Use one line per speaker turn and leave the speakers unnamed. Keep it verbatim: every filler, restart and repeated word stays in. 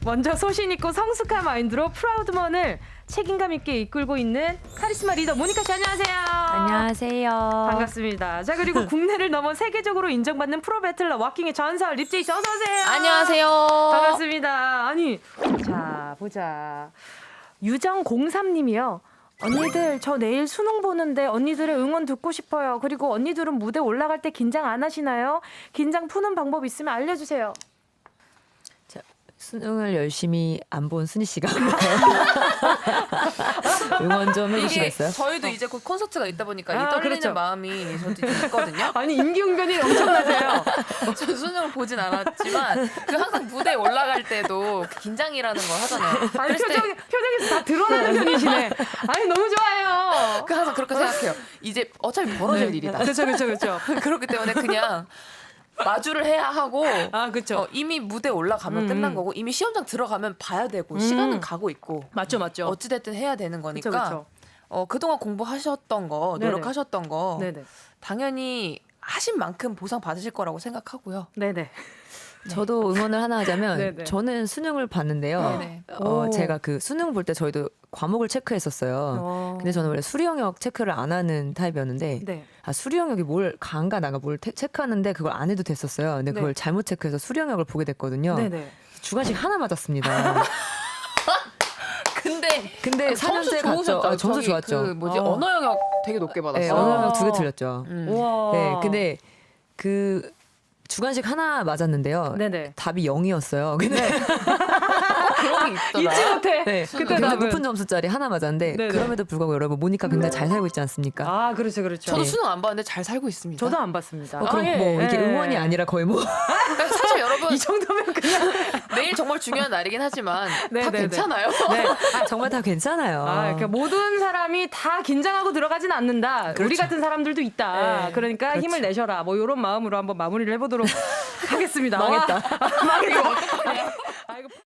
먼저 소신 있고 성숙한 마인드로 프라우드먼을 책임감 있게 이끌고 있는 카리스마 리더 모니카 씨 안녕하세요.
안녕하세요.
반갑습니다. 자 그리고 국내를 넘어 세계적으로 인정받는 프로 배틀러 워킹의 전설 립제이 씨 어서 오세요.
안녕하세요.
반갑습니다. 아니 자 보자. 유정공삼님이요. 언니들 저 내일 수능 보는데 언니들의 응원 듣고 싶어요. 그리고 언니들은 무대 올라갈 때 긴장 안 하시나요? 긴장 푸는 방법 있으면 알려주세요.
자, 수능을 열심히 안 본 순희 씨가 응원 좀 해주시겠어요?
저희도 이제 곧 콘서트가 있다 보니까
아,
이 떨리는
그렇죠.
마음이 저도 좀 있거든요.
아니 임기응변이 엄청나세요.
저 수능을 보진 않았지만 그 항상 무대에 올라갈 때도 그 긴장이라는 걸 하잖아요.
아니
그랬을 때
표정, 표정에서 다 드러나는 편이시네. 아니 너무 좋아요.
그 항상 그렇게 생각해요. 이제 어차피 벌어질
네.
일이다.
그렇죠 그렇죠 그렇죠.
그렇기 때문에 그냥 마주를 해야 하고
아 그렇죠.
어, 이미 무대 올라가면
음.
끝난 거고 이미 시험장 들어가면 봐야 되고 시간은 가고 있고
맞죠 맞죠.
어찌됐든 해야 되는 거니까
그쵸, 그쵸.
어, 그동안 공부하셨던 거
네네.
노력하셨던 거
네네
당연히 하신 만큼 보상 받으실 거라고 생각하고요.
네네.
저도 응원을 하나 하자면
네네.
저는 수능을 봤는데요.
네네.
어,
오.
제가 그 수능 볼 때 저희도 과목을 체크했었어요.
어.
근데 저는 원래 수리 영역 체크를 안 하는 타입이었는데
네.
아, 수리 영역이 뭘 강가 나가 뭘 테, 체크하는데 그걸 안 해도 됐었어요. 근데 그걸
네.
잘못 체크해서 수리 영역을 보게 됐거든요.
네네.
주관식 하나 맞았습니다.
근데
근데 사 년제 갔죠.
좋으셨죠?
아, 점수
저기
좋았죠.
그 뭐지
어.
언어 영역 되게 높게
네,
받았어요.
언어 영역
어.
두 개 틀렸죠.
음.
우와.
네, 근데 그 주관식 하나 맞았는데요.
네네.
답이 영이었어요. 근데
그런 게 있더라.
잊지 못해.
네,
그때
굉장히
답은.
높은 점수짜리 하나 맞았는데
네네.
그럼에도 불구하고 여러분 모니카 굉장히 잘 살고 있지 않습니까?
아 그렇죠 그렇죠.
저도
네.
수능 안 봤는데 잘 살고 있습니다.
저도 안 봤습니다.
어, 그럼
아, 예,
뭐 이게
예.
응원이 아니라 거의 뭐
그러니까 사실 여러분
이 정도면 그냥
내일 정말 중요한 날이긴 하지만
네,
다
네, 네.
괜찮아요.
네.
아, 정말 다 괜찮아요.
아, 그러니까 모든 사람이 다 긴장하고 들어가진 않는다. 우리
그렇죠.
같은 사람들도 있다.
네.
그러니까
그렇죠.
힘을 내셔라. 뭐 이런 마음으로 한번 마무리를 해보도록 하겠습니다.
망했다.
와, 망했다. 아, 이거